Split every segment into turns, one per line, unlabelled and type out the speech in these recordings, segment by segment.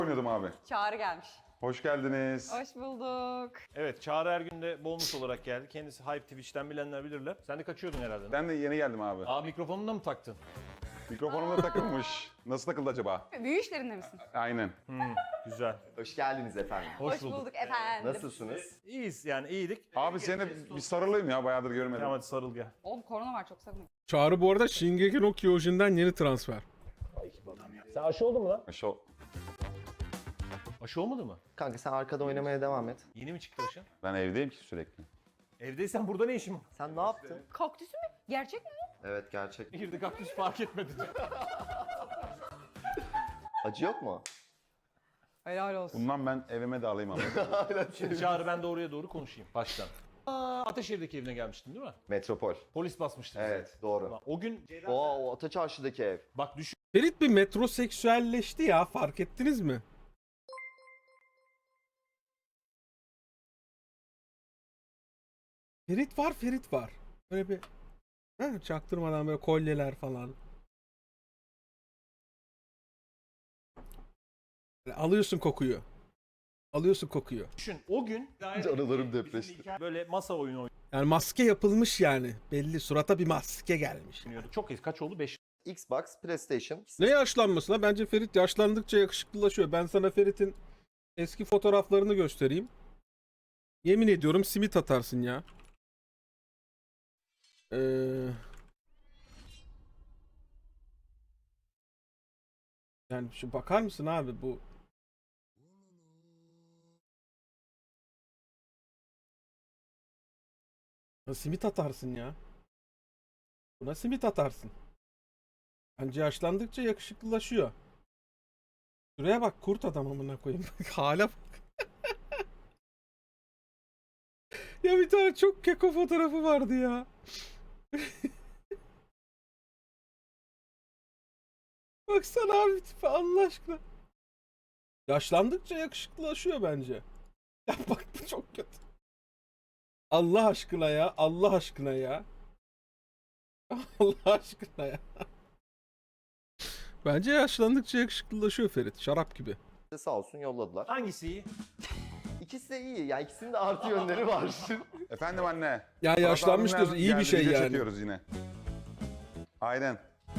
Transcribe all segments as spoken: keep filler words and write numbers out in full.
oynuyordum abi.
Çağrı gelmiş.
Hoş geldiniz.
Hoş bulduk.
Evet, Çağrı Ergün de bonus olarak geldi. Kendisi Hype Twitch'ten bilenler bilirler. Sen de kaçıyordun herhalde.
Ben de yeni geldim abi.
Aa, mikrofonunu da mı taktın?
Mikrofonum da takılmış. Nasıl takıldı acaba?
Büyü işlerinde misin?
Aynen.
Hmm, güzel.
Hoş geldiniz efendim.
Hoş,
Hoş
bulduk.
bulduk efendim.
Nasılsınız?
İyiyiz yani iyiydik.
Abi seni bir sarılayım ya, bayağıdır görmedim.
Tamam hadi sarıl gel.
Oğlum korona var, çok sakın.
Çağrı bu arada Shingeki no Kyojin'den yeni transfer.
Sen aşı oldun mu lan?
Şu
Aşı olmadı mı?
Kanka sen arkada oynamaya devam et.
Yeni mi çıktı aşı?
ben evdeyim ki sürekli.
Evdeysen burada ne işin var?
Sen ne yaptın?
Kaktüsü mü? Gerçek mi?
Evet gerçek.
Girdi kaktüs fark etmedi.
Acı yok mu?
Helal olsun.
Bundan ben evime de alayım abi.
Şimdi Çağrı ben de oraya doğru konuşayım baştan. Aa, Ataşehir'deki evine gelmiştin değil mi?
Metropol.
Polis basmıştı bizi.
Evet doğru.
O gün
O, o Ataçarşı'daki ev.
bak düşün.
Ferit bir metroseksüelleşti ya, fark ettiniz mi? Ferit var, Ferit var. Böyle bir ha, çaktırmadan böyle kolyeler falan. Böyle alıyorsun kokuyu. Alıyorsun kokuyu.
Düşün. O gün
Canlarım depreşti.
böyle masa oyunu
Yani maske yapılmış yani. Belli, surata bir maske gelmiş.
oynuyorduk. Çok iyi. Kaç oldu? beş.
Xbox, PlayStation.
Ne yaşlanması lan? Bence Ferit yaşlandıkça yakışıklılaşıyor. Ben sana Ferit'in eski fotoğraflarını göstereyim. Yemin ediyorum simit atarsın ya. Ee... Yani şu bakar mısın abi bu? Ya simit atarsın ya. Buna simit atarsın. Bence yaşlandıkça yakışıklılaşıyor. Şuraya bak, kurt adam amına koyayım. Hala bak. Ya bir tane çok keko fotoğrafı vardı ya. Baksana abi tipe, Allah aşkına. Yaşlandıkça yakışıklılaşıyor bence. Ya bak bu çok kötü. Allah aşkına ya. Allah aşkına ya. Allah aşkına ya. Bence yaşlandıkça yakışıklılaşıyor Ferit. Şarap gibi.
Sağ olsun yolladılar.
Hangisi iyi?
İkisi de iyi. Yani ikisinin de artı yönleri var.
Efendim anne.
Ya yaşlanmış
Fırat
diyorsun.
abimler
İyi bir
geldi,
şey
video
yani.
çekiyoruz yine. Aynen.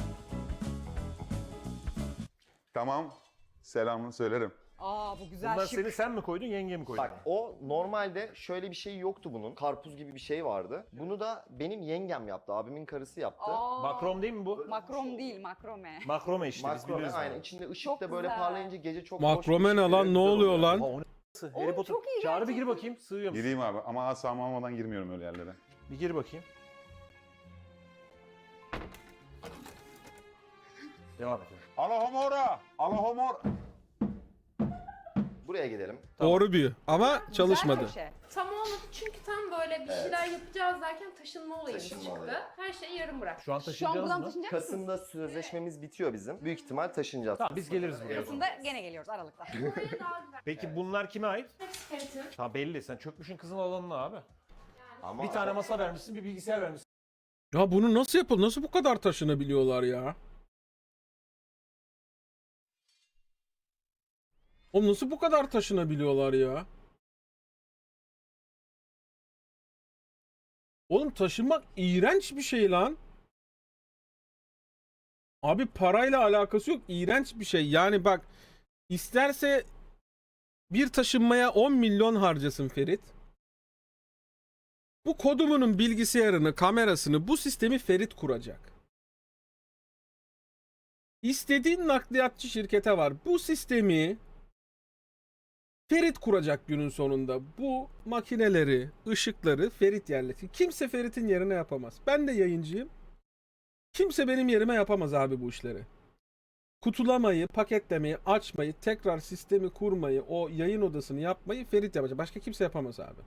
Tamam. Selamını söylerim.
Aa bu güzel
Bunlar
şık.
seni sen mi koydun, yenge mi koydun?
Bak o normalde şöyle bir şey yoktu bunun. Karpuz gibi bir şey vardı. Bunu da benim yengem yaptı. Abimin karısı yaptı.
Aa,
Makrom değil mi bu?
Makrom değil, makrome.
Makrome işte biz
Makrome
biliriz.
aynen.
bunu.
İçinde ışık
Çok
da böyle
güzel.
parlayınca gece çok
Makrome
hoş bir
ne
ışık
lan?
veriyor,
Ne
güzel
oluyor
oluyor.
lan?
Aa, o ne s***? Harry
Oğlum,
Potter.
çok iyi
Çağrı bir gir
gerçekten.
bakayım, sığıyor musun?
Gireyim abi ama asla almadan girmiyorum öyle yerlere.
Bir gir bakayım. Devam edelim.
Alohomora! Alohomor!
Buraya gidelim.
Doğru büyü. Ama çalışmadı.
Güzel köşe.
Tam olmadı çünkü tam böyle bir şeyler yapacağız derken taşınma olayımız
Taşınma
çıktı.
olayı.
Her şeyi yarım bırak.
Şu an
Şu an
taşıyacağız
buradan
mı?
taşınacak mısın?
Kasım'da sözleşmemiz bitiyor bizim. Büyük ihtimal taşınacağız.
Tamam biz geliriz buraya. o zaman.
Kasım'da gene geliyoruz Aralık'ta.
Buraya daha güzel.
Peki bunlar kime ait?
Hepsi Ferit'in.
Ha belli, sen çökmüşün kızın alanına abi.
Ama
Bir tane masa vermişsin, bir bilgisayar vermişsin.
Ya bunu nasıl yapıl? Nasıl bu kadar taşınabiliyorlar ya? Oğlum nasıl bu kadar taşınabiliyorlar ya? Oğlum taşınmak iğrenç bir şey lan. Abi parayla alakası yok. İğrenç bir şey. Yani bak, isterse bir taşınmaya on milyon harcasın Ferit. Bu kodumunun bilgisayarını, kamerasını, bu sistemi Ferit kuracak. İstediğin nakliyatçı şirkete var. Bu sistemi Ferit kuracak günün sonunda. Bu makineleri, ışıkları Ferit yerleştirecek. Kimse Ferit'in yerine yapamaz. Ben de yayıncıyım. Kimse benim yerime yapamaz abi bu işleri. Kutulamayı, paketlemeyi, açmayı, tekrar sistemi kurmayı, o yayın odasını yapmayı Ferit yapacak. Başka kimse yapamaz abi.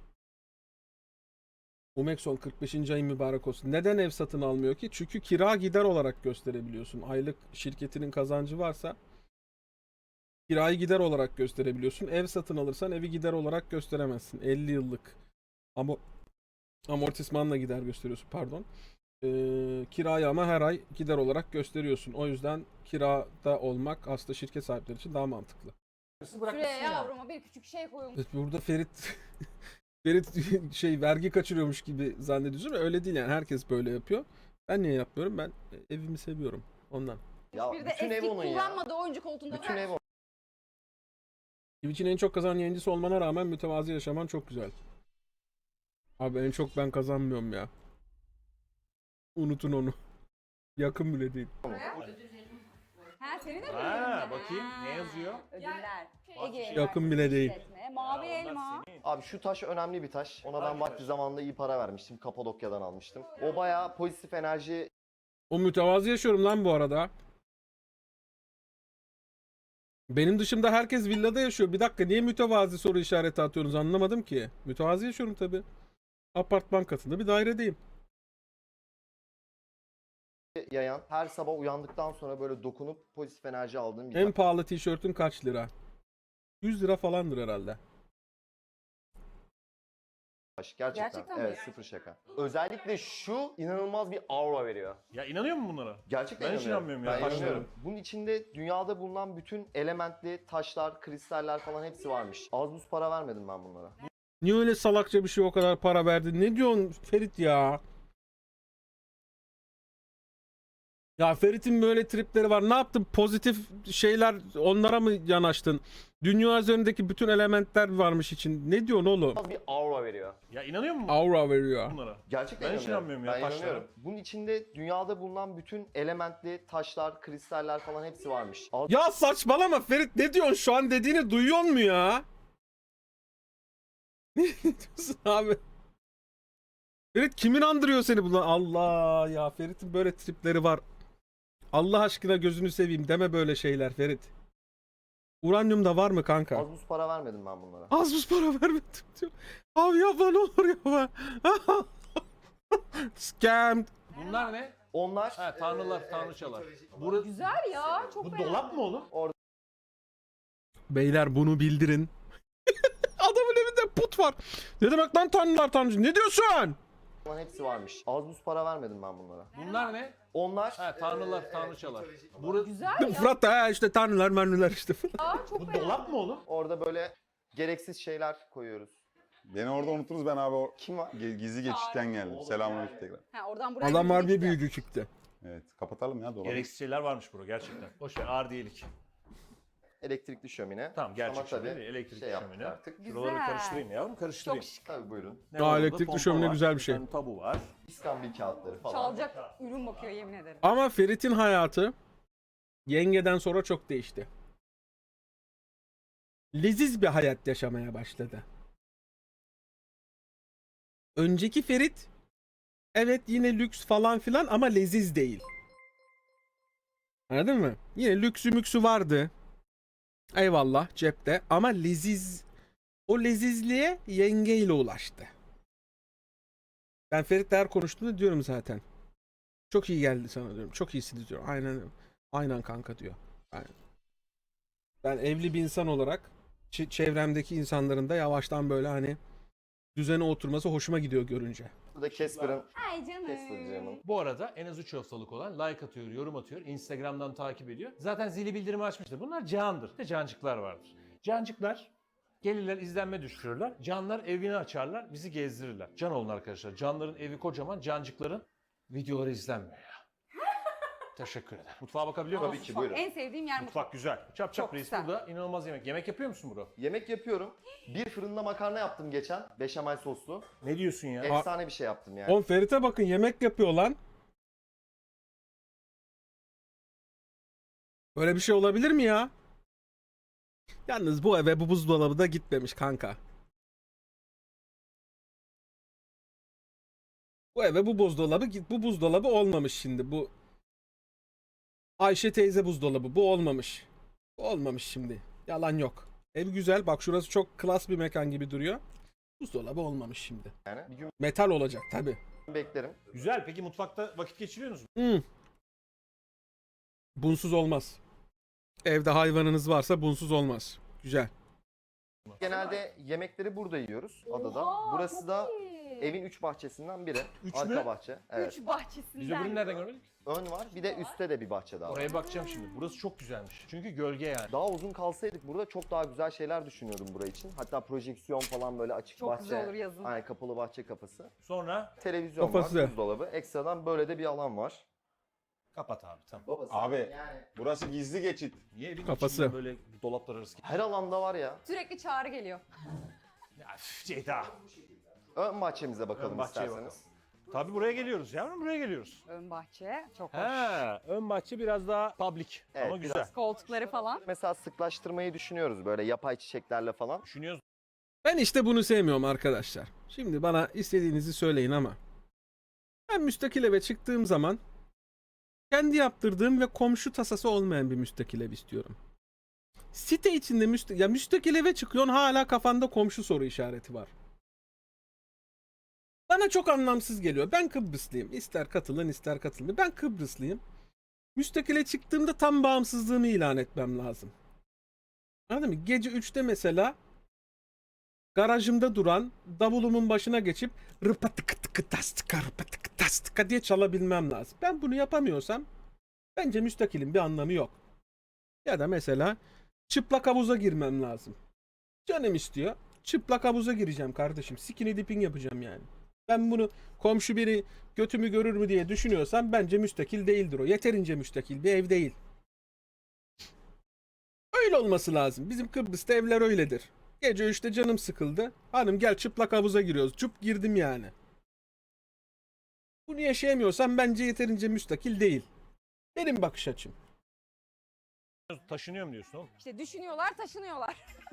Umexon kırk beşinci ayın mübarek olsun. Neden ev satın almıyor ki? Çünkü kira gider olarak gösterebiliyorsun. Aylık şirketinin kazancı varsa kirayı gider olarak gösterebiliyorsun. Ev satın alırsan evi gider olarak gösteremezsin. elli yıllık ama amortismanla gider gösteriyorsun, pardon. Ee, kirayı ama her ay gider olarak gösteriyorsun. O yüzden kirada olmak aslında şirket sahipleri için daha mantıklı.
Şuraya yavruma bir küçük şey koyun.
Evet, burada Ferit Ferit şey vergi kaçırıyormuş gibi zannediyorsun ama öyle değil yani. Herkes böyle yapıyor. Ben niye yapmıyorum? Ben evimi seviyorum ondan.
Ya
Bir de
bütün ev
eski
onun ya.
kullanmadığı oyuncu koltuğunda
Bütün
bırak.
ev onun.
Twitch'in en çok kazanan yayıncısı olmana rağmen mütevazi yaşaman çok güzel. Abi en çok ben kazanmıyorum ya. Unutun onu. Yakın bile değil.
Ha senin de mi
Ha,
ödülün?
bakayım,
Ha,
ne yazıyor?
Ödüller.
Bak,
Ege
yakın bile değil.
İşletme, Mavi
Ha, onlar
elma.
senin.
Abi şu taş önemli bir taş. Ona ben
Hangi
vakti
taş?
zamanında iyi para vermiştim. Kapadokya'dan almıştım. O bayağı pozitif enerji
O mütevazi yaşıyorum lan bu arada. Benim dışımda herkes villada yaşıyor. Bir dakika niye mütevazi soru işareti atıyorsunuz anlamadım ki. Mütevazi yaşıyorum tabi. Apartman katında bir dairedeyim.
yayan, her sabah uyandıktan sonra böyle dokunup pozitif enerji aldığım bir
En pahalı tişörtün kaç lira? yüz lira falandır herhalde.
taş. Gerçekten.
Gerçekten mi?
Evet, sıfır şaka. Özellikle şu inanılmaz bir aura veriyor.
Ya inanıyor musun bunlara?
Gerçekten
Ben hiç inanmıyorum ya,
Ben
taşlara.
inanıyorum. Bunun içinde dünyada bulunan bütün elementli taşlar, kristaller falan hepsi varmış. Az buz para vermedim ben bunlara.
Niye öyle salakça bir şey o kadar para verdin? Ne diyorsun Ferit ya? Ya Ferit'in böyle tripleri var. Ne yaptın? Pozitif şeyler onlara mı yanaştın? Dünya üzerindeki bütün elementler varmış için. Ne diyorsun oğlum?
İnanılmaz bir aura veriyor.
Ya inanıyor musun
Aura veriyor.
bunlara?
Gerçekten
Ben hiç inanmıyorum ya
Ben
taşlara.
inanıyorum. Bunun içinde dünyada bulunan bütün elementli taşlar, kristaller falan hepsi varmış. Az
Ya saçmalama Ferit ne diyorsun şu an dediğini duyuyor mu ya? Ne diyorsun abi? Ferit kimin andırıyor seni bunlar? Allah ya Ferit'in böyle tripleri var. Allah aşkına gözünü seveyim deme böyle şeyler Ferit. Uranyum da var mı kanka?
Az buz para vermedim ben bunlara.
Az buz para vermedim diyor. Abi yapma ne olur yapma. Scam.
Bunlar ne?
Onlar
Ha, tanrılar,
eee,
tanrıçalar.
mitolojik-
Bura-
Güzel ya. Çok
Bu
beğendim.
dolap mı oğlum?
Beyler bunu bildirin. Adamın evinde put var. Ne demek lan tanrılar tanrıcı? Ne diyorsun?
falan hepsi varmış. Az buz para vermedim ben bunlara.
Bunlar ne?
Onlar
Ha, tanrılar,
eee,
tanrıçalar.
mitolojik-
Bura-
Güzel ya.
Fırat da ha işte tanrılar mermiler işte.
Çok
Bu
beğendim.
dolap mı oğlum?
Orada böyle gereksiz şeyler koyuyoruz.
Beni orada unuturuz, ben abi o
Kim var?
ge- gizli geçişten geldim. Selamünaleyküm tekrar.
Ha, oradan buraya
Adam harbi
gidecek
büyücü çıktı.
Evet, kapatalım ya dolabı.
Gereksiz şeyler varmış bura gerçekten. Boş ver, ağır değilik.
Elektrikli şömine.
Tamam, gerçek
Ama tabii
şömine değil, elektrikli
şey yaptık
şömine.
artık.
Şuraları
Güzel.
karıştırayım yavrum, karıştırayım.
Çok şık.
Tabii buyurun.
Ne
Aa,
var orada?
elektrikli
Pompa
şömine
var,
güzel bir şey.
tane tabu var.
İskambil kağıtları falan.
Çalacak ürün bakıyor yemin ederim.
Ama Ferit'in hayatı yengeden sonra çok değişti. Leziz bir hayat yaşamaya başladı. Önceki Ferit evet yine lüks falan filan ama leziz değil. Anladın mı? Yine lüksü müksü vardı. Eyvallah cepte ama leziz o lezizliğe yengeyle ulaştı. Ben Ferit'le her konuştuğumda diyorum zaten. Çok iyi geldi sana diyorum. Çok iyisiniz diyor. Aynen aynen kanka diyor. Ben, ben evli bir insan olarak ç- çevremdeki insanların da yavaştan böyle hani düzene oturması hoşuma gidiyor görünce.
Burada Casper'ın
Ay canım.
Casper canım.
Bu arada en az üç haftalık olan like atıyor, yorum atıyor, Instagram'dan takip ediyor. Zaten zili bildirimi açmıştır. Bunlar candır. Bir de cancıklar vardır. Cancıklar gelirler, izlenme düşürürler. Canlar evini açarlar, bizi gezdirirler. Can olun arkadaşlar. Canların evi kocaman, cancıkların videoları izlenmiyor ya. Teşekkür ederim. Mutfağa bakabiliyor muyum?
Tabii ki buyurun.
En sevdiğim yer mutfak.
Mutfak güzel. Çap çap
Çok
reis
güzel.
burada. İnanılmaz yemek. Yemek yapıyor musun bro?
Yemek yapıyorum. Bir fırında makarna yaptım geçen. Beşamel soslu.
Ne diyorsun ya?
Efsane bir şey yaptım yani.
Oğlum Ferit'e bakın yemek yapıyor lan. Böyle bir şey olabilir mi ya? Yalnız bu eve bu buzdolabı da gitmemiş kanka. Bu eve bu buzdolabı git bu buzdolabı olmamış şimdi bu. Ayşe teyze buzdolabı bu olmamış. Bu olmamış şimdi. Yalan yok. Ev güzel bak şurası çok klas bir mekan gibi duruyor. Buzdolabı olmamış şimdi.
Yani. Bir gün
Metal olacak tabi.
beklerim.
Güzel. Peki mutfakta vakit geçiriyorsunuz mu?
Hmm. Bunsuz olmaz. Evde hayvanınız varsa bunsuz olmaz. Güzel.
Genelde yemekleri burada yiyoruz adada.
Oha,
Burası
çok
da
iyi.
Evin üç bahçesinden biri.
Üç
Arka
mü?
bahçe. Evet.
Üç bahçesinden.
Biz öbürünü nereden görmedik?
Ön var. Bir de üstte de bir bahçe daha var.
Oraya bakacağım şimdi. Burası çok güzelmiş. Çünkü gölge yani.
Daha uzun kalsaydık burada çok daha güzel şeyler düşünüyordum buraya için. Hatta projeksiyon falan böyle açık
Çok
bahçe.
güzel olur yazın.
Aynen kapalı bahçe kapısı.
Sonra
Televizyon
Kafası.
var, buzdolabı. Ekstradan böyle de bir alan var.
kapat abi tamam.
Babası.
Abi
Yani
burası gizli geçit.
Niye evin
Kafası.
içinden böyle dolaplar arası?
her alanda var ya.
Sürekli çağrı geliyor.
Ya üf, Ceyda.
Ön bahçemize bakalım
Ön bahçeye
isterseniz.
Tabii buraya geliyoruz yavrum, buraya geliyoruz.
Ön bahçe çok hoş.
He, ön bahçe biraz daha public
Evet,
ama güzel.
biraz-
Koltukları falan.
Mesela sıklaştırmayı düşünüyoruz böyle yapay çiçeklerle falan.
Düşünüyoruz.
Ben işte bunu sevmiyorum arkadaşlar. Şimdi bana istediğinizi söyleyin ama ben müstakil eve çıktığım zaman kendi yaptırdığım ve komşu tasası olmayan bir müstakil ev istiyorum. Site içinde müsta ya müstakil eve çıkıyorsun hala kafanda komşu soru işareti var. Bana çok anlamsız geliyor. Ben Kıbrıslıyım. İster katılın ister katılmayın. Ben Kıbrıslıyım. Müstakile çıktığımda tam bağımsızlığımı ilan etmem lazım. Anladın mı? Gece üçte mesela garajımda duran davulumun başına geçip rıpatıkı tıkı tastıka rıpatıkı tastıka diye çalabilmem lazım. Ben bunu yapamıyorsam bence müstakilin bir anlamı yok. Ya da mesela çıplak havuza girmem lazım. Canım istiyor. Çıplak havuza gireceğim kardeşim. Skinny dipping yapacağım yani. Ben bunu komşu biri götümü görür mü diye düşünüyorsam bence müstakil değildir o. Yeterince müstakil bir ev değil. Öyle olması lazım. Bizim Kıbrıs'ta evler öyledir. Gece üçte canım sıkıldı. Hanım gel çıplak havuza giriyoruz. Çup girdim yani. Bunu yaşayamıyorsam bence yeterince müstakil değil. Benim bakış açım.
Taşınıyorum diyorsun oğlum.
İşte düşünüyorlar, taşınıyorlar.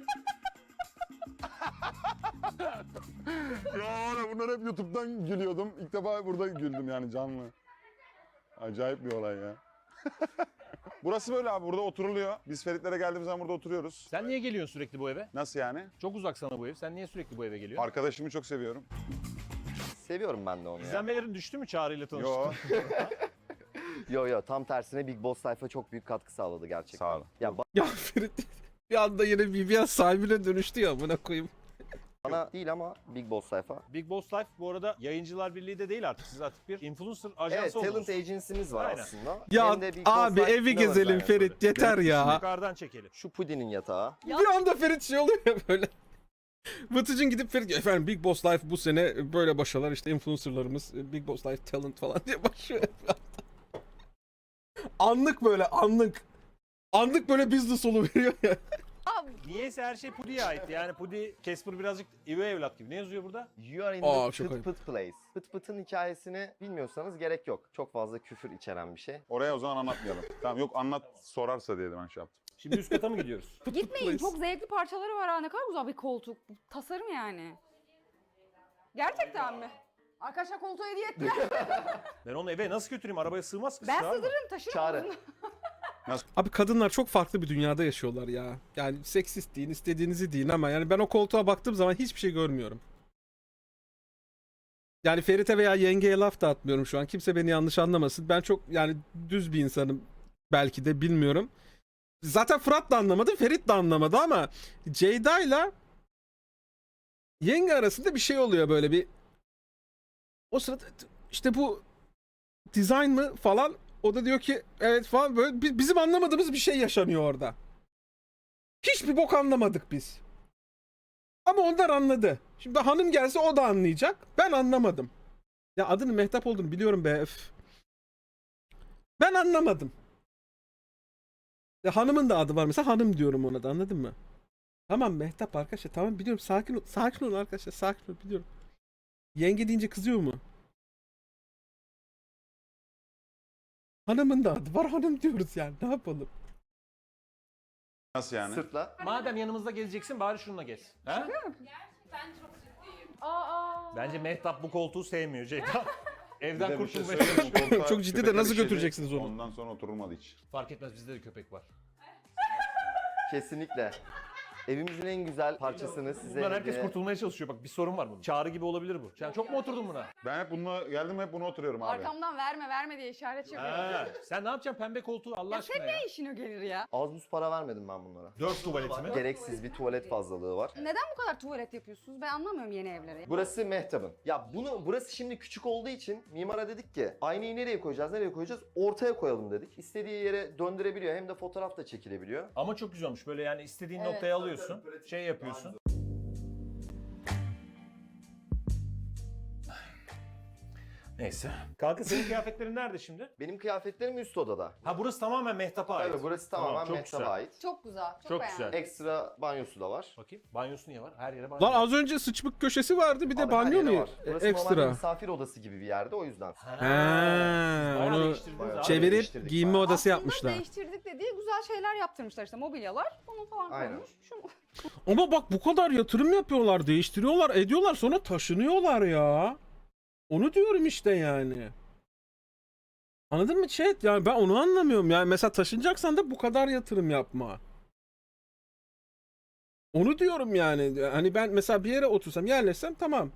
Ya bunlar hep YouTube'dan gülüyordum. İlk defa burada güldüm yani canlı. Acayip bir olay ya. Burası böyle abi, burada oturuluyor. Biz Feritlere geldiğimiz zaman burada oturuyoruz.
Sen niye geliyorsun sürekli bu eve?
Nasıl yani?
Çok uzak sana bu ev. Sen niye sürekli bu eve geliyorsun?
Arkadaşımı çok seviyorum.
Seviyorum ben de onu ya.
İzlenmelerin düştü mü Çağrı ile tanıştın?
Yo.
Yo yo tam tersine Big Boss Life'a çok büyük katkı sağladı gerçekten.
Sağ olun.
Ya
Ya Ferit bir anda yine B B S sahibine dönüştü ya buna koyayım.
bana değil ama Big Boss Life'a.
Big Boss Life bu arada Yayıncılar Birliği de değil artık. Siz artık bir influencer ajansı
Evet
oldunuz.
talent agency'miz var
Aynen.
aslında.
Ya
Hem de Big Boss
abi
Life
evi
sinema
gezelim
özellikleri.
Ferit yeter ya.
Yukarıdan çekelim.
Şu pudinin yatağı.
Bir anda Ferit şey oluyor ya böyle. Vıtıcın gidip Ferit efendim Big Boss Life bu sene böyle başarılar işte influencerlarımız Big Boss Life talent falan diye başlıyor. Anlık böyle anlık. Anlık böyle business veriyor ya.
Niyeyse her şey Pudi'ye ait. Yani Pudi, Casper birazcık üvey evlat gibi. Ne yazıyor burada?
You are in
Aa,
the
çok
pıt
ayıp.
pıt place. Pıt pıtın hikayesini bilmiyorsanız gerek yok. Çok fazla küfür içeren bir şey.
Oraya o zaman anlatmayalım. Tamam yok anlat sorarsa diye de ben şey yaptım.
Şimdi üst kata mı gidiyoruz?
Gitmeyin, çok zevkli parçaları var ha. Ne kadar güzel bir koltuk. Tasarım yani. Gerçekten mi? Arkadaşlar koltuğu hediye ettiler.
Ben onu eve nasıl götüreyim? Arabaya sığmaz kız.
Ben
Çağrı.
sığdırırım, taşırım.
Çağrı.
onu.
Abi kadınlar çok farklı bir dünyada yaşıyorlar ya. Yani seksist deyin, istediğinizi deyin ama yani ben o koltuğa baktığım zaman hiçbir şey görmüyorum. Yani Ferit'e veya yengeye laf da atmıyorum şu an. Kimse beni yanlış anlamasın. Ben çok yani düz bir insanım. Belki de bilmiyorum. Zaten Fırat da anlamadı, Ferit de anlamadı ama Ceyda'yla yenge arasında bir şey oluyor böyle bir. O sırada işte bu design mı falan, o da diyor ki evet falan, böyle bi- bizim anlamadığımız bir şey yaşanıyor orada. Hiçbir bok anlamadık biz. Ama onlar anladı. Şimdi hanım gelse o da anlayacak. Ben anlamadım. Ya adının Mehtap olduğunu biliyorum be. Öf. Ben anlamadım. Ya hanımın da adı var mesela, hanım diyorum ona da, anladın mı? Tamam Mehtap arkadaşlar, tamam biliyorum, sakin ol. Sakin olun arkadaşlar, sakin ol, biliyorum. Yenge deyince kızıyor mu? Hanımın da adı var, hanım diyoruz yani, ne yapalım?
Nasıl yani?
Sırtla.
Madem yanımızda gezeceksin bari şununla gez. Ha?
Ben çok ciddiyim. Aa.
Bence Mehtap bu koltuğu sevmiyor Ceyda.
Bir
Evden
de bir şey
kurtulmaya
söyleyeyim mi?
çalışıyor.
Koltuğa
Çok ciddi de
köpekler
nasıl
işedi,
götüreceksiniz onu?
Ondan sonra oturulmadı hiç.
Fark etmez, bizde de köpek var.
Kesinlikle. Evimizin en güzel parçasını size
Bundan herkes
hediye-
kurtulmaya çalışıyor. Bak bir sorun var bunun. Çağrı gibi olabilir bu. Sen çok mu oturdun buna?
Ben hep bununla geldim hep bunu oturuyorum abi.
Arkamdan verme verme diye işaret yapıyor.
Ha, sen ne yapacaksın pembe koltuğu Allah
Ya
aşkına
sen
ya?
ne işine gelir ya?
Az buz para vermedim ben bunlara.
Dört tuvaleti mi?
Gereksiz bir tuvalet fazlalığı var.
Neden bu kadar tuvalet yapıyorsunuz? Ben anlamıyorum yeni evleri.
Burası Mehtap'ın. Ya bunu burası şimdi küçük olduğu için mimara dedik ki aynayı nereye koyacağız, nereye koyacağız? Ortaya koyalım dedik. İstediği yere döndürebiliyor hem de fotoğraf da çekilebiliyor.
Ama çok güzel olmuş. Böyle yani istediğin
Evet.
noktaya alıyorsun. Şey yapıyorsun. Neyse. Kanka senin kıyafetlerin nerede şimdi?
Benim kıyafetlerim üst odada.
Ha burası tamamen Mehtap'a ait.
Tabii burası
Tamam,
tamamen
çok
Mehtap'a
güzel.
ait.
Çok güzel. Çok,
Çok
beğendim.
güzel.
Ekstra banyosu da var.
Bakayım. Banyosu niye var? Her yere banyo.
Lan
var.
az önce sıçmık köşesi vardı bir de
Abi her
banyo
yere
mu?
var.
E,
Burası normalde
Ekstra.
misafir odası gibi bir yerde o yüzden.
Ha,
He,
bayağı
onu
değiştirdiniz
bayağı
abi.
çevirip
değiştirdik
giyinme
bayağı.
odası
Aslında
yapmışlar.
değiştirdik dediği güzel şeyler yaptırmışlar işte mobilyalar. Bunu falan
Aynen.
koymuş. Şunu...
Ama bak bu kadar yatırım yapıyorlar, değiştiriyorlar, ediyorlar sonra taşınıyorlar ya. Onu diyorum işte yani. Anladın mı chat? Yani ben onu anlamıyorum. Yani mesela taşınacaksan da bu kadar yatırım yapma. Onu diyorum yani. Hani ben mesela bir yere otursam, yerleşsem tamam.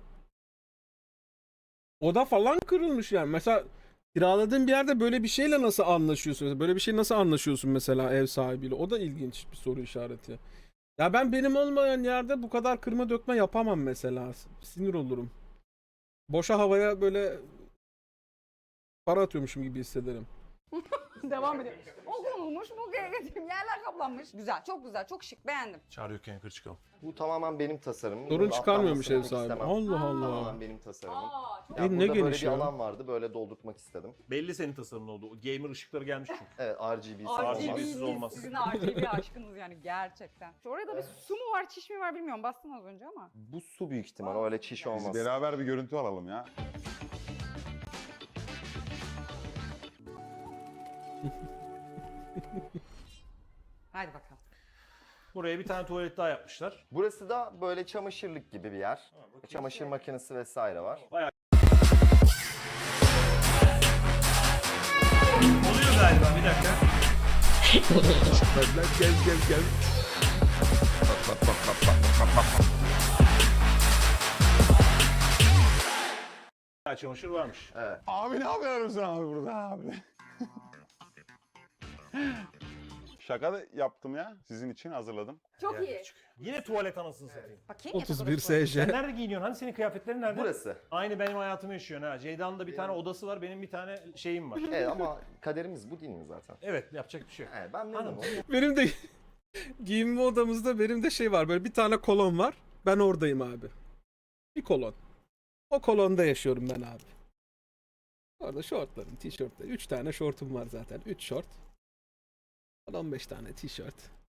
Oda falan kırılmış yani. Mesela kiraladığın bir yerde böyle bir şeyle nasıl anlaşıyorsun? Mesela böyle bir şey nasıl anlaşıyorsun mesela ev sahibiyle? O da ilginç bir soru işareti. Ya ben benim olmayan yerde bu kadar kırma dökme yapamam mesela. Sinir olurum. Boşa havaya böyle para atıyormuşum gibi hissederim.
Devam edelim. O konulmuş, bu getirdim. Yerler kaplanmış. Güzel, çok güzel, çok şık. Beğendim.
Çağrı yokken yukarı çıkalım.
Bu tamamen benim tasarımım.
Sorun
Bunun
çıkarmıyormuş ev
atlanmasını pek
sahibi.
istemem.
Allah Allah.
Tamamen benim tasarımım.
Aa, çok
Ya
E, ne
burada böyle
geniş
bir
ya.
alan vardı böyle doldurtmak istedim.
Belli senin tasarımın oldu. O gamer ışıkları gelmiş çünkü.
Evet R G B'si
R G
olmaz.
B'siz olmaz.
Sizin R G B aşkınız yani gerçekten. Orada bir su mu var, çiş mi var bilmiyorum. Bastın az önce ama.
Bu su büyük ihtimal öyle çiş
Biz
olmaz.
beraber bir görüntü alalım ya.
Hadi bakalım.
Buraya bir tane tuvalet daha yapmışlar.
Burası da böyle çamaşırlık gibi bir yer. Çamaşır makinesi vesaire var.
Oluyor galiba bir dakika.
Gel gel gel.
Ha, çamaşır varmış.
Evet.
Abi ne yapıyorsun abi burada abi? Şaka da yaptım ya. Sizin için hazırladım.
Çok
Yani
iyi.
çıkıyor. Yine tuvalet anasını satayım.
Bakayım yatak
otuz bir
odası.
S
Sen
J.
nerede giyiniyorsun? Hani senin kıyafetlerin nerede?
Burası.
Aynı benim hayatımı yaşıyorsun ha. Ceyda'nın da bir tane odası var, benim bir tane şeyim var.
Evet ama kaderimiz bu değil mi zaten?
Evet, yapacak bir şey yok.
Evet ben memnunum.
Anladım.
Benim de giyinme odamızda benim de şey var. Böyle bir tane kolon var. Ben oradayım abi. Bir kolon. O kolonda yaşıyorum ben abi. Orada şortlarım, tişörtler. Üç tane şortum var zaten. Üç şort. on beş tane tişört.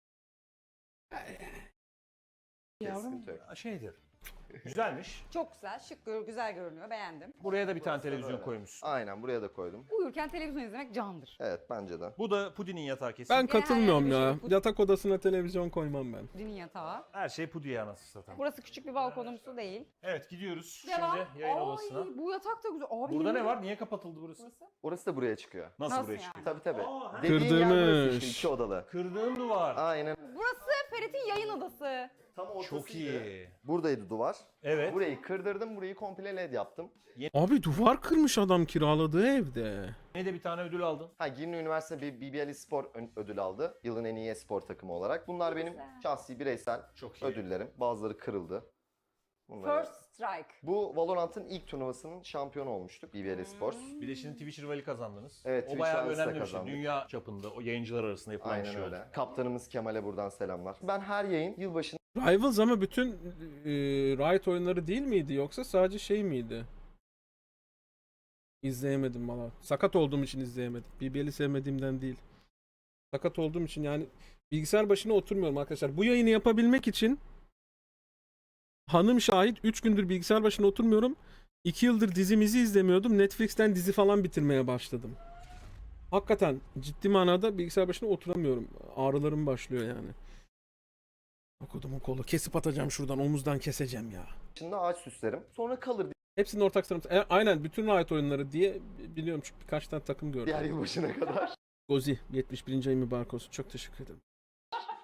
Yavrum
Sıkıntı yok.
şeydir. Güzelmiş.
Çok güzel, şık, gör- güzel görünüyor. Beğendim.
Buraya da bir tane televizyon
öyle.
koymuşsun.
Aynen buraya da koydum.
Uyurken televizyon izlemek candır.
Evet bence de.
Bu da Pudi'nin yatağı kesin.
Ben katılmıyorum
Genel
ya.
bir şey-
Yatak odasına televizyon koymam ben.
Dinin yatağı.
Her şey Pudi'ye anasını satayım.
Burası küçük bir balkonumsu değil.
Evet, gidiyoruz
Devam.
şimdi yayın odasına.
Ay, bu yatak da güzel. Abi,
Burada ne
yemin-
var? Niye kapatıldı burası?
Burası.
Orası da buraya çıkıyor.
Nasıl,
Nasıl
buraya
yani?
çıkıyor?
Tabii tabii.
Aa,
Dediğin yer burası
Kırdırmış.
işte iki odalı.
Kırdığın duvar.
Aynen.
Burası Ferit'in yayın odası.
Tam ortasıydı.
Çok iyi.
Buradaydı duvar.
Evet.
Burayı kırdırdım, burayı komple led yaptım.
Abi duvar kırmış adam kiraladığı evde.
Ne de bir tane ödül aldın.
Ha Girne Üniversite bir B B L Spor ön- ödül aldı. Yılın en iyi spor takımı olarak. Bunlar benim
Güzel.
şahsi bireysel
Çok iyi.
ödüllerim. Bazıları kırıldı. Bunları-
First Strike.
Bu Valorant'ın ilk turnuvasının şampiyonu olmuştuk B B L Sports.
Bir de şimdi Twitch rivali kazandınız.
Evet,
o
Twitch
bayağı
rivalisi de
önemli bir şey.
kazandık.
Dünya çapında o yayıncılar arasında yapılan bir
Aynen
şey
öyle.
oldu.
Kaptanımız Kemal'e buradan selamlar. Ben her yayın yılbaşında
Rivals ama bütün e, Riot oyunları değil miydi yoksa sadece şey miydi? İzleyemedim valla. Sakat olduğum için izleyemedim. B B L'i sevmediğimden değil. Sakat olduğum için yani bilgisayar başına oturmuyorum arkadaşlar. Bu yayını yapabilmek için hanım şahit üç gündür bilgisayar başına oturmuyorum. iki yıldır dizimizi izlemiyordum. Netflix'ten dizi falan bitirmeye başladım. Hakikaten ciddi manada bilgisayar başına oturamıyorum. Ağrılarım başlıyor yani. Okudumun kolu. Kesip atacağım şuradan. Omuzdan keseceğim ya.
ağaç süslerim. Sonra kalır
Hepsinin ortak sanatı. E, aynen bütün Riot oyunları diye biliyorum çünkü birkaç tane takım gördüm.
diğer yılbaşına kadar.
Gozi yetmiş birinci ayı mübarek olsun. Çok teşekkür ederim.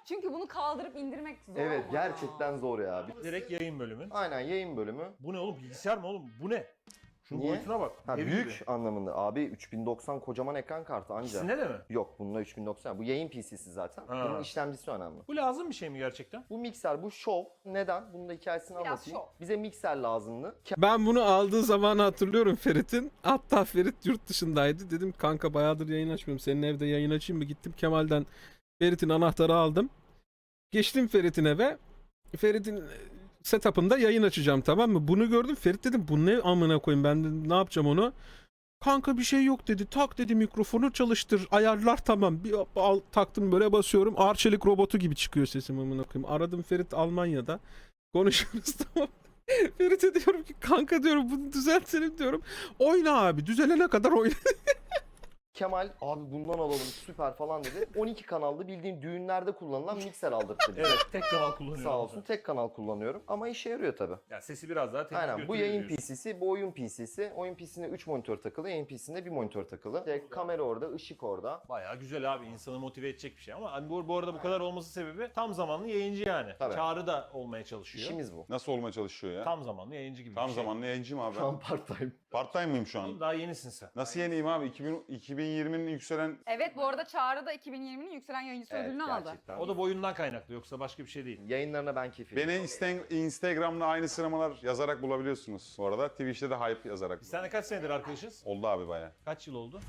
Çünkü bunu kaldırıp indirmek zor
Evet
ama
gerçekten zor ya.
Direkt yayın bölümü.
Aynen yayın bölümü.
Bu ne oğlum? Bilgisayar mı oğlum? Bu ne? Şunun
Niye?
boyutuna bak.
Ha,
Ev
büyük
gibi.
anlamında. Abi üç bin doksan kocaman ekran kartı anca.
İkisinde de mi?
Yok bununla üç bin doksan. Bu yayın P C'si zaten.
Ha.
Bunun işlemcisi önemli.
Bu lazım bir şey mi gerçekten?
Bu mikser, bu şov. Neden? Bunun da hikayesini
Biraz
anlatayım.
şov.
Bize mikser lazımdı.
Ben bunu aldığı zamanı hatırlıyorum Ferit'in. Hatta Ferit yurt dışındaydı. Dedim kanka bayağıdır yayın açmıyorum. Senin evde yayın açayım mı? Gittim Kemal'den Ferit'in anahtarı aldım. Geçtim Ferit'in eve. Ferit'in setup'ında yayın açacağım, tamam mı? Bunu gördüm. Ferit dedim bu ne amına koyayım, ben dedim, ne yapacağım onu? Kanka bir şey yok dedi. Tak dedi, mikrofonu çalıştır. Ayarlar tamam. Bir al, taktım böyle basıyorum. Arçelik robotu gibi çıkıyor sesim amına koyayım. Aradım Ferit Almanya'da. Konuşuyoruz tamam. Ferit'e diyorum ki kanka diyorum bunu düzeltelim diyorum. Oyna abi, düzelene kadar oyna.
Kemal abi bundan alalım süper falan dedi. on iki kanallı bildiğin düğünlerde kullanılan mikser aldırttı bize.
Evet, tek kanal kullanıyorum.
Sağ olsun tek kanal kullanıyorum ama işe yarıyor tabi.
Ya sesi biraz daha temiz
Aynen bu
götürüyor
yayın
diyorsun.
P C'si, bu oyun P C'si. Oyun P C'sinde üç monitör takılı, yayın P C'sinde bir monitör takılı. İşte kamera orada, ışık orada.
Bayağı güzel abi, insanı motive edecek bir şey ama hani bu, bu arada bu kadar olması sebebi tam zamanlı yayıncı yani.
Tabii.
Çağrı da olmaya çalışıyor.
İşimiz bu.
Nasıl olmaya çalışıyor ya?
Tam zamanlı yayıncı gibi
Tam
bir şey.
zamanlı yayıncıyım abi.
Şu an part time.
Part time mıyım şu an?
Daha yenisin sen.
Nasıl yeniyim abi? iki bin, iki bin yirminin yükselen...
Evet bu arada Çağrı da iki bin yirminin yükselen yayıncısı
Evet
ödülünü aldı.
gerçekten.
O da boyundan kaynaklı, yoksa başka bir şey değil.
Yayınlarına ben keyif
Beni Insta- Instagram'da aynı sıramalar yazarak bulabiliyorsunuz. Bu arada Twitch'te de hype yazarak.
Biz seninle kaç senedir arkadaşız?
Oldu abi baya.
Kaç yıl oldu?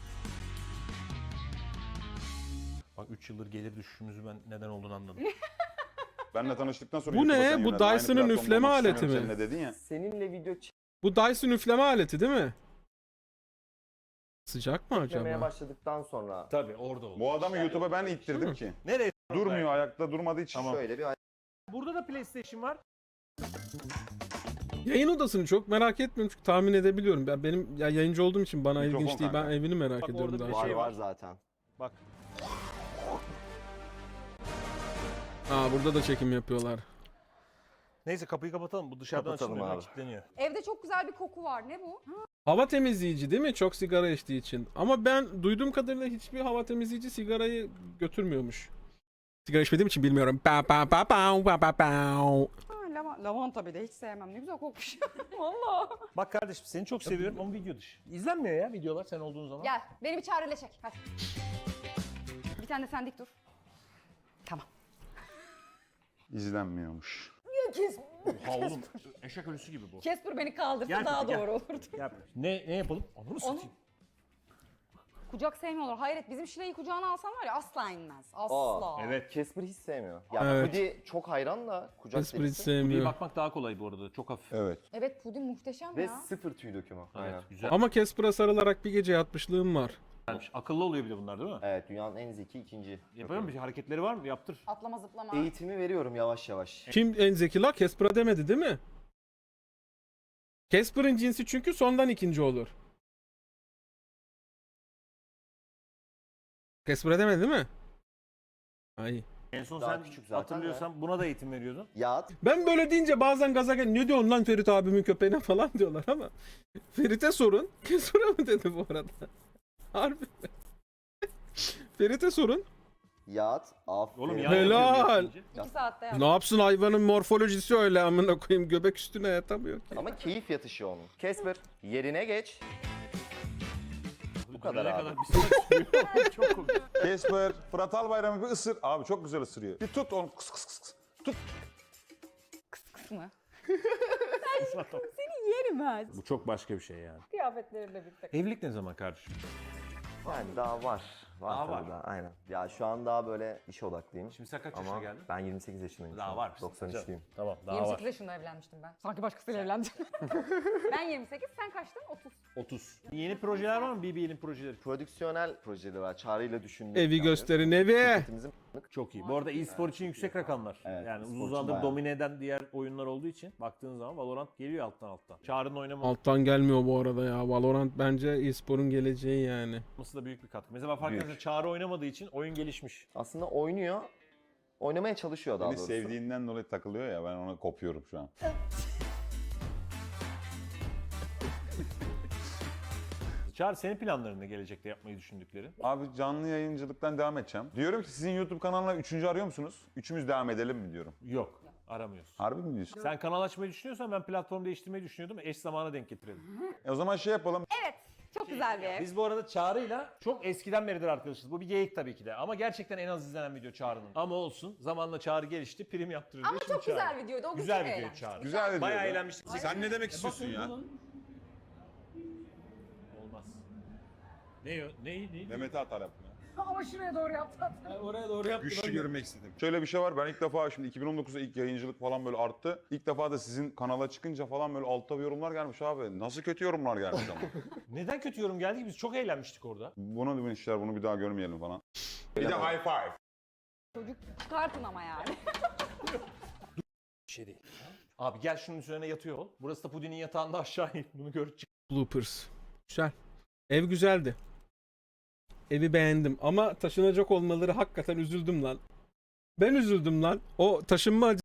Bak üç yıldır gelir düşüşümüzü ben neden olduğunu anladım.
Benle tanıştıktan sonra
Bu
YouTube'a
ne?
sen
Bu
yöneldin. Aynı
Dyson'ın
platformda
üfleme
olmak
aleti
istemiyorum
mi?
seninle dedin ya.
Seninle video
Bu Dyson üfleme aleti değil mi? Sıcak mı
çekmeye
acaba?
başladıktan sonra
Tabii orada oldu.
Bu adamı YouTube'a ben ittirdim ki.
Nereye?
Durmuyor, ayakta durmadığı için.
şöyle bir
Burada da PlayStation var.
Yayın odasını çok merak etmiyorum çünkü tahmin edebiliyorum. Ben benim ya yayıncı olduğum için bana
Mikrofon
ilginç değil. Ben
kanka.
evini merak
Bak
ediyorum
orada
daha
bir
çok.
var
şey
var
var.
zaten.
Bak.
Aa burada da çekim yapıyorlar.
Neyse kapıyı kapatalım. Bu dışarıdan
Kapatalım
açılmıyor.
abi.
Kilitleniyor.
Evde çok güzel bir koku var. Ne bu?
Hava temizleyici değil mi? Çok sigara içtiği için. Ama ben duyduğum kadarıyla hiçbir hava temizleyici sigarayı götürmüyormuş. Sigara içmediğim için bilmiyorum. Pa pa pa pa pa pa pa.
Ha, lava- lavanta bir de hiç sevmem. Ne güzel kokmuş. Valla.
Bak kardeşim seni çok seviyorum ama video dışı. İzlenmiyor ya videolar sen olduğun zaman.
Gel beni bir Çağrı'yla çek. Hadi. Bir tane de sen dik dur. Tamam.
İzlenmiyormuş.
Kes,
Ha oğlum eşek ölüsü gibi bu.
Kesper beni kaldırsa
Gel,
daha
gel.
doğru olurdu.
Yap. Ne ne yapalım? Onu
Onu
satayım.
kucak sevmiyorlar. Hayret bizim Şile'yi kucağına alsan var ya asla inmez. Asla.
Evet.
Casper hiç sevmiyor. Yani
Evet.
Pudi çok hayran da kucak
Esprit
delisi.
Bir
sevmiyor.
bakmak daha kolay bu arada. Çok hafif.
Evet.
Evet puding muhteşem
Ve
ya.
sıfır tüy dökümü.
Evet,
Aynen.
güzel.
Ama Casper'a sarılarak bir gece yatmışlığım var.
Güzelmiş. Akıllı oluyor bir de bunlar değil mi?
Evet dünyanın en zeki ikinci.
Yapıyor bir hareketleri var mı? Yaptır.
Atlama zıplama.
Eğitimi veriyorum yavaş yavaş.
Kim en zeki la? Casper'a demedi değil mi? Casper'ın cinsi çünkü sondan ikinci olur. Casper'a demedi değil mi? Ay.
En son
Daha
sen
küçük zaten
hatırlıyorsan buna da eğitim veriyordun.
Yat.
Ben böyle deyince bazen gaza gel. Ne diyorsun lan Ferit abimin köpeğine falan diyorlar ama. Ferit'e sorun. Casper'a mı dedi bu arada? Harbi. Ferit'e sorun.
Yat. Aferin.
Oğlum yan
Helal.
yapıyor deyince.
İki saatte yap.
Ne yapsın hayvanın morfolojisi öyle amına koyayım, göbek üstüne yatamıyor ki.
Ama keyif yatışı onun. Casper yerine geç.
Bu
kadar
dönene
abi.
kadar bir saat sürüyor. Çok komik.
Casper, Fırat Albayram'ı bir ısır. Abi çok güzel ısırıyor. Bir tut onu. Kıs kıs kıs kıs. Tut.
Kısmı. Seni yerim ha.
Bu çok başka bir şey yani.
Kıyafetlerinle birlikte.
Evlilik ne zaman kardeşim?
Yani daha var. Var
Daha
tabii
var.
daha. Aynen. Ya şu an daha böyle iş odaklıyım.
Şimdi sen kaç yaşına
Ama
geldin?
ben yirmi sekiz yaşındayım. şu
Daha
an.
var.
doksan üçlüyüm.
Tamam daha
yirmi
var.
sekiz yaşında evlenmiştim ben. Sanki başkasıyla evlendim. Ben yirmi sekiz, sen kaçtın? otuz.
otuz. Yeni projeler var mı? B B'nin projeleri.
Prodüksiyonel projeleri var. Çağrı'yla düşündüğüm.
Evi
planları.
gösterin evi.
Şirketimizin
Çok iyi. Bu arada e-spor için yüksek rakamlar.
Evet,
yani
e-spor
uzun
için
zamandır
bayağı.
domine eden diğer oyunlar olduğu için baktığın zaman Valorant geliyor alttan alttan. Çağrı'nın oynaması
Alttan gelmiyor bu arada ya. Valorant bence e-sporun geleceği yani.
da büyük bir katkı. Mesela fark
Büyük.
etmez Çağrı oynamadığı için oyun gelişmiş.
Aslında oynuyor. Oynamaya çalışıyor daha
Beni
doğrusu.
sevdiğinden dolayı takılıyor ya, ben ona kopuyorum şu an.
hızlı. Çağrı senin planların ne gelecekte yapmayı düşündükleri?
Abi canlı yayıncılıktan devam edeceğim. Diyorum ki sizin YouTube kanalına üçüncü arıyor musunuz? Üçümüz devam edelim mi diyorum.
Yok. Aramıyorsun.
Harbi mi diyorsun?
Sen kanal açmayı düşünüyorsan ben platform değiştirmeyi düşünüyordum. Eş zamana denk getirelim.
E o zaman şey yapalım.
Evet. Çok güzel bir ev.
Biz bu arada Çağrı'yla çok eskiden beridir arkadaşız. Bu bir geyik tabii ki de. Ama gerçekten en az izlenen video Çağrı'nın. Ama olsun. Zamanla Çağrı gelişti. Prim yaptırır.
Ama
diye
çok
şimdi Çağrı.
güzel videoydu. O gün
Güzel
çok
video
eğlenmiştik.
Çağrı.
Güzel video.
Bayağı eğlenmiştik.
Sen ne demek istiyorsun ya?
Olmaz. Ne o? Ne? Ne?
Mehmet'e atar yapma.
Ama şuraya doğru yaptı.
Oraya doğru yaptım.
Güçlü görmek istedim. Şöyle bir şey var. Ben ilk defa şimdi iki bin on dokuzda ilk yayıncılık falan böyle arttı. İlk defa da sizin kanala çıkınca falan böyle altta bir yorumlar gelmiş abi. Nasıl kötü yorumlar gelmiş ama.
Neden kötü yorum geldi ki? Biz çok eğlenmiştik orada.
Bunu bir işler bunu bir daha görmeyelim falan. Bir de high five.
Çocuk çıkartın ama yani.
Bir şey değil. Abi gel şunun üzerine yatıyor ol. Burası da Pudin'in yatağında aşağı in. Bunu gör çık.
Bloopers. Güzel. Ev güzeldi. Evi beğendim ama taşınacak olmaları hakikaten üzüldüm lan. Ben üzüldüm lan. O taşınma